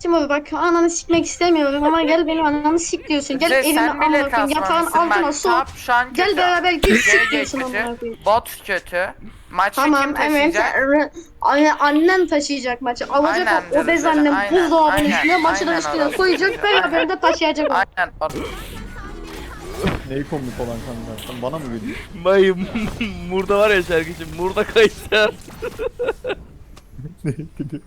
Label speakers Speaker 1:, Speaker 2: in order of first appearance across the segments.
Speaker 1: Timur bak ananı sikmek istemiyorum ama gel benim ananı sik diyorsun. Gel
Speaker 2: Kuzey,
Speaker 1: evime
Speaker 2: sen bile
Speaker 1: amına koyayım. Yatağın
Speaker 2: kasmamışsın
Speaker 1: altına
Speaker 2: bak.
Speaker 1: su.
Speaker 2: Tap şu an kötü.
Speaker 1: Gel beraber gir sik
Speaker 2: GG
Speaker 1: diyorsun
Speaker 2: kötü.
Speaker 1: amına koyayım.
Speaker 2: Bot kötü. Maçı kim
Speaker 1: Tamam evet.
Speaker 2: taşıyacak?
Speaker 1: Annen taşıyacak maçı. Alacak
Speaker 2: Aynen
Speaker 1: o obez
Speaker 2: Zırhlı,
Speaker 1: annem
Speaker 2: aynen,
Speaker 1: buzdolabının
Speaker 2: aynen,
Speaker 1: üstüne maçı da
Speaker 2: aynen
Speaker 1: üstüne
Speaker 2: orası
Speaker 1: koyacak.
Speaker 2: çocuğu,
Speaker 1: Beraber de taşıyacak o.
Speaker 2: Aynen.
Speaker 3: Neyi komik olan kanka? Sen bana mı gülüyorsun?
Speaker 4: Bayım Murda var ya şarkıcı Murda Kayser.
Speaker 3: Neye gülüyorsun?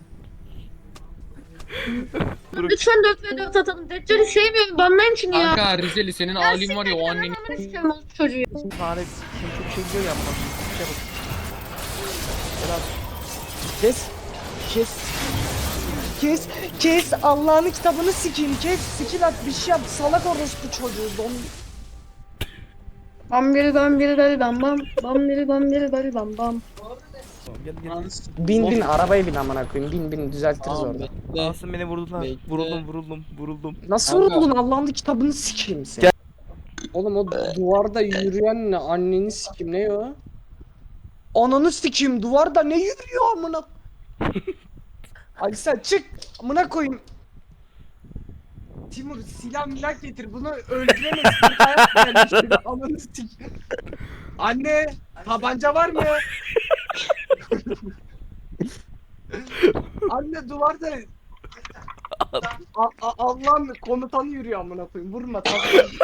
Speaker 1: Lütfen 4v4 atalım. Deccal'i sevmiyorum. Banlayın şunu ya.
Speaker 5: Kanka Rizeli senin
Speaker 1: Ya
Speaker 5: halin var ya o
Speaker 1: siktir
Speaker 5: annenin.
Speaker 1: git, ananı sikerim o çocuğu.
Speaker 4: Fare şimdi çok şey diyor ya bana. Şey bak.
Speaker 6: Kes. Kes. Kes. Kes. Allah'ın kitabını sikeyim. Kes. Skill at bir şey yap. Salak orospu çocuğu.
Speaker 1: Bam biri bam biri dali bam bam. Bam biri bam biri dali bam bam.
Speaker 4: Gel gel.
Speaker 6: Bin arabaya bin amına koyayım. Bin düzeltiriz orada.
Speaker 4: Asım beni vurdular.
Speaker 5: Bekle.
Speaker 4: Vuruldum.
Speaker 6: Nasıl vuruldun Allah'ın kitabını sikeyim seni.
Speaker 4: Gel.
Speaker 6: Oğlum o duvarda yürüyen ne? Anneni sikeyim ne o? Ananı sikeyim duvarda ne yürüyor amına? Hadi sen çık amına koyayım. Timur silah milah getir bunu öldüremezsin. Hayat gelmiştir ananı sikeyim. Anne tabanca var mı? Anne duvarda Allah'ın komutanı yürüyor amına koyayım. Vurma tamam.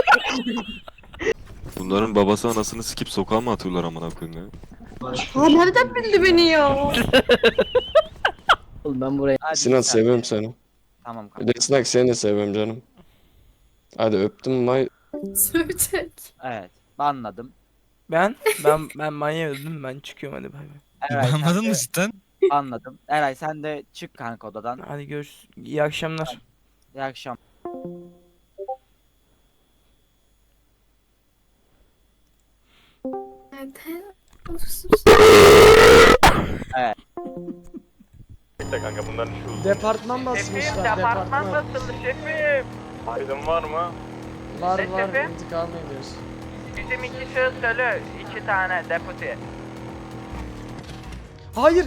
Speaker 7: Bunların babası anasını sikip sokağa mı atıyorlar amına koyayım ya?
Speaker 1: Ha nereden bildi beni ya?
Speaker 8: Oğlum ben buraya...
Speaker 9: Sinan seviyorum seni.
Speaker 8: Tamam
Speaker 9: Bir de Sinan seni de seviyorum canım. Hadi öptüm bay.
Speaker 1: Sövecek.
Speaker 8: Evet. Anladım.
Speaker 4: Ben manyağı öldüm ben çıkıyorum hadi bay bay.
Speaker 8: Eray, sen
Speaker 10: Anladın
Speaker 8: de-
Speaker 10: mı cidden?
Speaker 8: Anladım. Eray sen de çık kanka odadan.
Speaker 4: Hadi görüşürüz. İyi akşamlar.
Speaker 8: İyi akşam.
Speaker 3: Kanka bunların şu
Speaker 6: Departman basmışlar departman.
Speaker 2: basıldı şefim.
Speaker 3: aydın var mı?
Speaker 6: Var
Speaker 2: Ne
Speaker 6: var
Speaker 2: şefi?
Speaker 6: intikam ediyoruz.
Speaker 2: Bizim 2 şahıs ölü. 2 tane deputy.
Speaker 6: Hayır.